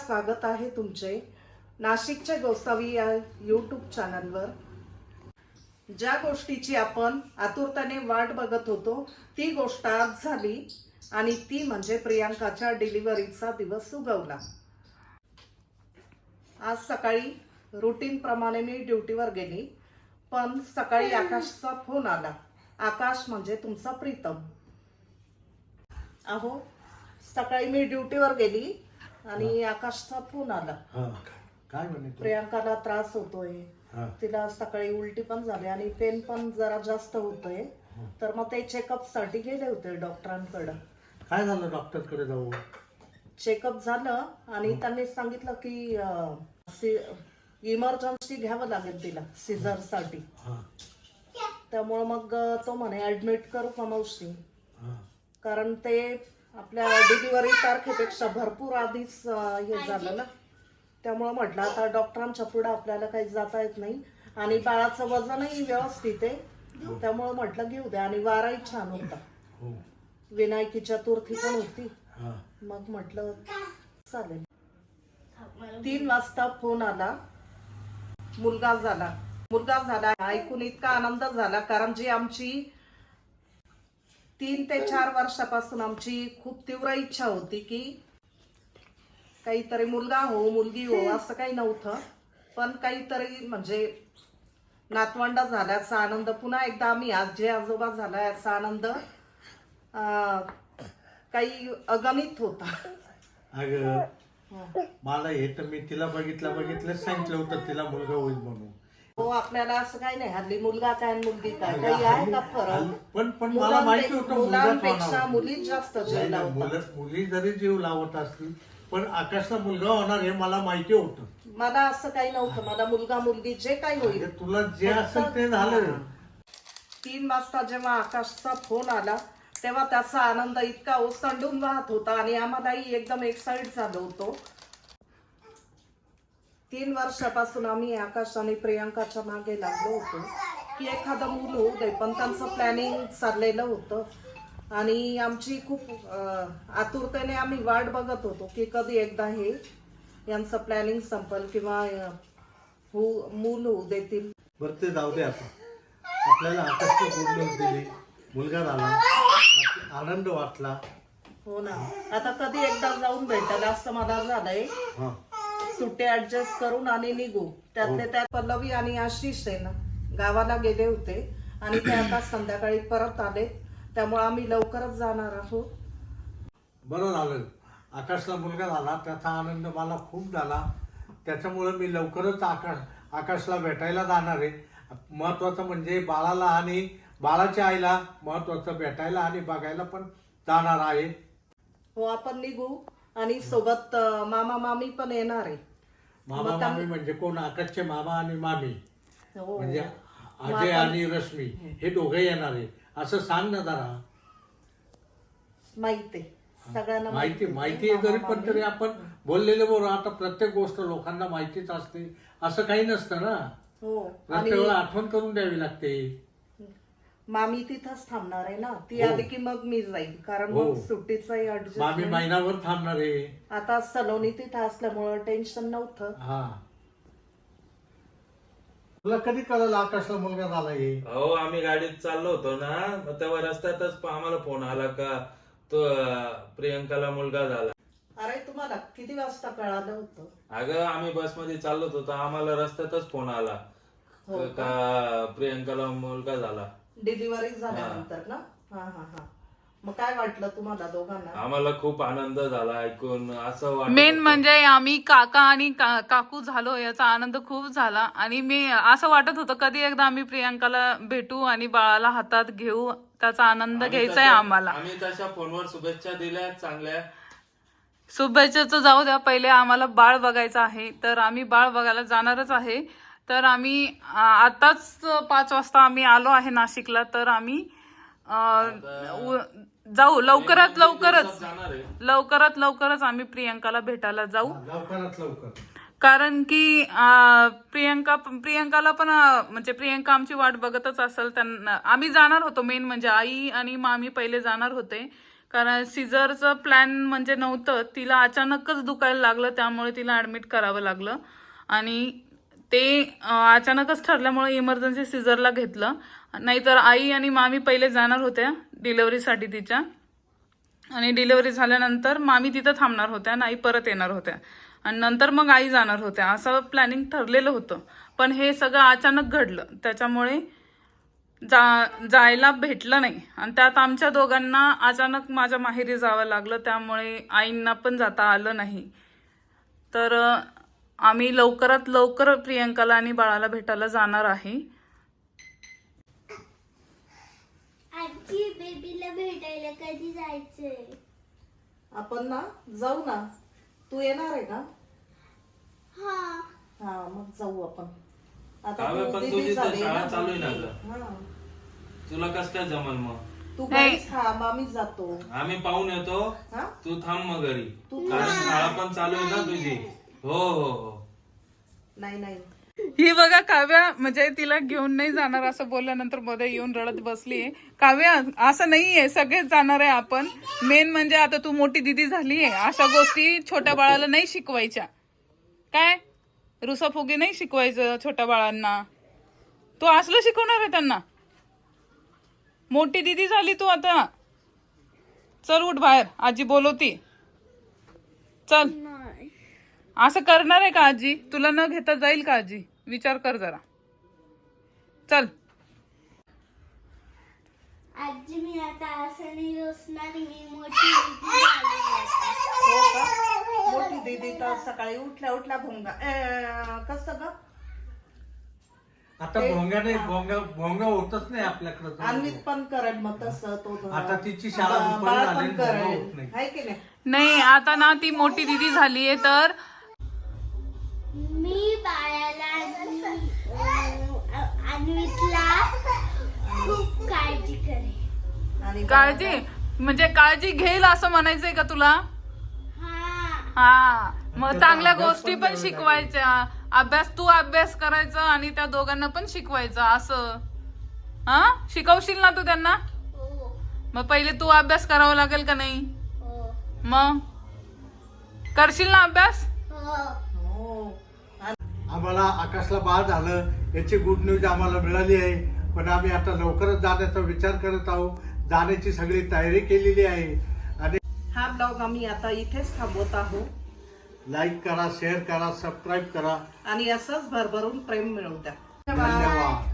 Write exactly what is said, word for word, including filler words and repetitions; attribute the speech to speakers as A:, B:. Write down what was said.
A: स्वागत आहे तुमचे नाशिकच्या गोसावी या यूट्यूब चॅनलवर। ज्या गोष्टीची आपण आतुरतेने वाट बघत होतो ती गोष्ट आज झाली आणि ती म्हणजे प्रियांकाच्या डिलिव्हरीचा दिवस उगवला। आज सकाळी रूटीन प्रमाणे मी ड्युटीवर गेली, पण सकाळी आकाशचा फोन आला। आकाश म्हणजे तुमचा प्रीतम। अहो सकाळी मी ड्युटीवर गेली आणि आकाशचा फोन आला।
B: काय म्हणे?
A: प्रियांकाला त्रास होतोय, तिला सकाळी उलटी पण झाली आणि पेन पण जरा जास्त होतोय, तर मग ते चेकअप साठी गेले होते डॉक्टरांकडे।
B: काय झालं? डॉक्टरकडे जाऊ।
A: चेकअप झालं आणि त्यांनी सांगितलं की इमर्जन्सी घ्यावं लागेल तिला सीझर साठी। त्यामुळे मग तो म्हणे ऍडमिट करू का मावशी, कारण ते आपल्या डिलिव्हरी तारखेपेक्षा भरपूर आधीच हे झालं ना। त्यामुळे म्हटलं आता डॉक्टरांच्या पुढे आपल्याला काही जाता येत नाही आणि बाळाचं वजनही व्यवस्थित आहे, त्यामुळे म्हटलं घेऊ द्या। आणि वाराही छान होता, विनायकी चतुर्थी पण होती, मग म्हटलं चालेल। तीन वाजता फोन आला, मुलगा झाला। मुलगा झाला ऐकून इतका आनंद झाला, कारण जी आमची तीन ते चार वर्षापासून आमची खूप तीव्र इच्छा होती की काहीतरी मुलगा हो मुलगी हो, असं काही नव्हतं, पण काहीतरी म्हणजे नातवंड झाल्याचा आनंद, पुन्हा एकदा आम्ही आजी आजोबा झाला याचा आनंद काही अगणित होता।
B: अगं मला हे तर मी तिला बघितलं बघितलं सांगितलं होतं तिला मुलगा होईल म्हणून।
A: हो आपल्याला असं काही नाही, हल्ली मुलगा काय मुलगी काय काही आहे का फरक?
B: पण पण मला माहिती होतं
A: मुलांपेक्षा मुली जास्त जीव लावतात।
B: मुली जरी जीव लावत असतील पण आकाशला मुलगा होणार हे मला माहिती होतं।
A: मला असं काही नव्हतं, मला मुलगा मुलगी जे काही होईल
B: तुला जे असेल ते झालं।
A: तीन वाजता जेव्हा आकाशचा फोन आला तेव्हा त्याचा आनंद इतका ओसंडून वाहत होता आणि आम्हालाही एकदम एक्साइट झालो होतो। तीन वर्षापासून आम्ही आकाश आणि प्रियांकाच्या मागे लागलो होतो की एखादं मूल होऊ दे, पण त्यांचं प्लॅनिंग चाललेलं होतं आणि आमची खूप आतुरतेने आम्ही वाट बघत होतो की कधी एकदा हे यांचं प्लॅनिंग संपल किंवा हो मूल होऊ देतील।
B: बरं ते जाऊ दे, आता आपल्याला आकाशला गुड न्यूज दिली, मुलगा झाला, आनंद वाटला।
A: हो ना, आता कधी एकदा जाऊन भेटायला असं मला झालंय। सुट्टे ऍडजस्ट करून आणि निघू। त्यातले त्यात पल्लवी आणि आशिष आहे ना गावाला गेले होते आणि ते आता संध्याकाळी परत आले, त्यामुळे आम्ही लवकरच जाणार आहोत।
B: बरं झालं, आकाशला मुलगा झाला त्याचा आनंद मला खूप झाला, त्याच्यामुळे मी लवकरच आकाश आकाशला भेटायला जाणार आहे। महत्वाचं म्हणजे बाळाला आणि बाळाच्या आईला महत्वाचं भेटायला आणि बघायला पण जाणार आहे।
A: हो आपण निघू आणि सोबत मामा मामी पण येणार आहे।
B: मामा मामी म्हणजे कोण? आकाशचे मामा आणि मामी म्हणजे अजय आणि रश्मी हे दोघे येणार आहे असं सांग ना जरा।
A: माहिती सगळ्यांना
B: माहिती माहिती आहे जरी पण तरी आपण बोललेले बरोबर। आता प्रत्येक गोष्ट लोकांना माहितीच असते असं काही नसतं ना।
A: हो
B: प्रत्येक वेळा आठवण करून द्यावी लागते।
A: मामी तिथंच थांबणार आहे ना, ती आली की मग मी जाईल, कारण मग सुट्टीचाही ऍडजस्ट।
B: मामी महिनाभर थांबणार आहे।
A: आता सलोनी तिथं असल्यामुळे टेन्शन नव्हतं।
B: हा तुला कधी कळलं आकाशला मुलगा झाला हे?
C: हो आम्ही गाडीत चाललो होतो ना, मग तेव्हा रस्त्यातच आम्हाला फोन आला का तो प्रियंकाला मुलगा झाला।
A: अरे तुम्हाला किती वाजता कळालं होतं?
C: अगं आम्ही बसमध्ये चाललो होतो, आम्हाला रस्त्यातच फोन आला का प्रियंकाला मुलगा झाला
A: डिलिव्हरी झाल्यानंतर ना। हा हा हा मग काय वाटलं तुम्हाला दोघांना?
C: आम्हाला खूप आनंद झाला ऐकून। असं वाटलं
D: मेन म्हणजे आम्ही काका आणि काकू झालो याचा आनंद खूप झाला आणि मी असं वाटत होतं कधी एकदा आम्ही प्रियांकाला भेटू आणि बाळाला हातात घेऊ, त्याचा आनंद घ्यायचा आहे आम्हाला।
C: आम्ही तशा फोनवर शुभेच्छा दिल्या चांगल्या।
D: शुभेच्छाचं जाऊ द्या, पहिले आम्हाला बाळ बघायचं आहे, तर आम्ही बाळ बघायला जाणारच आहे। तर आम्ही आताच पाच वाजता आम्ही आलो आहे नाशिकला, तर आम्ही जाऊ लवकरात लवकरच लवकरात लवकरच आम्ही प्रियांकाला भेटायला जाऊ
B: लवकरात लवकर,
D: कारण की प्रियंका प्रियंकाला पण म्हणजे प्रियंका आमची वाट बघतच असेल। त्यांना आम्ही जाणार होतो, मेन म्हणजे आई आणि मामी पहिले जाणार होते, कारण सिझरचं प्लॅन म्हणजे नव्हतं, तिला अचानकच दुखायला लागलं, त्यामुळे तिला ऍडमिट करावं लागलं. आणि ते अं, अचानकच ठरल्यामुळे इमर्जन्सी सिझरला घेतलं. नाहीतर आई आणि मामी पहिले जाणार होत्या डिलेव्हरीसाठी तिच्या, आणि डिलेव्हरी झाल्यानंतर मामी तिथं थांबणार होत्या आणि आई परत येणार होत्या, आणि नंतर मग आई जाणार होत्या, असं प्लॅनिंग ठरलेलं होतं. पण हे सगळं अचानक घडलं, त्याच्यामुळे जा जायला भेटलं नाही. आणि त्यात आमच्या दोघांना अचानक माझ्या माहेरी जावं लागलं, त्यामुळे आईंना पण जाता आलं नाही. तर अं, आम्ही लवकरात लवकर प्रियंकाला आणि बाळाला भेटायला जाणार आहे.
E: आजी बेबीला भेटायला कधी जायचंय?
A: आपण ना जाऊ ना, तू येणार आहे का?
E: हा.
A: हा मग जाऊ आपण.
C: काव्य,
A: तू
C: पण
A: दीदी
C: तुझी तर
A: झाली
C: शाळा
A: ना,
C: चालू आहे ना
A: दीदी.
C: गं.
A: हा.
C: तुला कस काय जमल मग?
A: तू
D: नाही.
A: घरीच थांब, आम्ही जातो.
C: आम्ही पाहून येतो,
A: हा
C: तू थांब मग घरी,
A: तू
C: कारण शाळा पण चालू आहे ना तुझी. हो हो हो.
A: नाही नाही
D: ही बघा काव्या, म्हणजे तिला घेऊन नाही जाणार असं बोलल्यानंतर मध्ये येऊन रडत बसलीये. काव्या, असं नाहीये, सगळेच जाणार आहे आपण. मेन म्हणजे आता तू मोठी दिदी झालीये, अशा गोष्टी छोट्या बाळाला नाही शिकवायच्या. काय रुसाफुगी नाही शिकवायचं छोट्या बाळांना. तू असलं शिकवणार आहे त्यांना? मोठी दिदी झाली तू आता. चल उठ बाहेर, आजी बोलवती. चल. असं करणार आहे का आजी? तुला न घेता जाईल का आजी? विचार कर जरा. चल.
E: आजी मी आता असं नाही रोसणार, मी मोठी दीदी झाली आता.
A: हो का? मोठी दीदी तर सकाळी उठल्या उठल्या भोंगा अं, कसं ग?
B: आता भोंगा नाही, भोंगा भोंगा होतच नाही आपल्याकडं.
A: अन्वित पण करेल मग तसं तो
B: आता तिची शाळा
A: बा-
B: दुपारी
A: बाळ
B: झाली,
A: पण
B: भोंगा
A: करेल.
B: होत नाही.
A: आहे की नाही?
D: नाही, आता ना ती मोठी दिदी झालीये, तर
E: मी बाळाला आणि, अं, अन्वितला खूप काळजी करेन.
A: आणि
D: काळजी म्हणजे काळजी घेईल असं म्हणायचंय का तुला?
E: हा.
D: हा, मग
B: त्याचा
D: चांगल्या
B: अभ्यास
D: गोष्टी
B: पण
D: पण
B: द्यावा
D: शिकवायच्या. अभ्यास तू अभ्यास करायचा आणि त्या दोघांना पण शिकवायचं असं. हा, शिकवशील ना तू त्यांना?
E: हो.
D: मग पहिले तू अभ्यास करावा लागेल का नाही?
E: हो.
D: मग करशील ना अभ्यास?
E: हो.
A: हो.
B: आम्हाला आकाशला बाळ झालं याची गुड न्यूज आम्हाला मिळाली आहे. पण आम्ही आता लवकरच जाण्याचा विचार करत आहोत. जाण्याची सगळी तयारी केलेली आहे. आणि
A: हा ब्लॉग आम्ही आता इथेच थांबवत आहोत.
B: लाईक करा, शेअर करा, सबस्क्राईब करा.
A: आणि असंच भरभरून प्रेम मिळवू द्या. धन्यवाद.
B: धन्यवाद.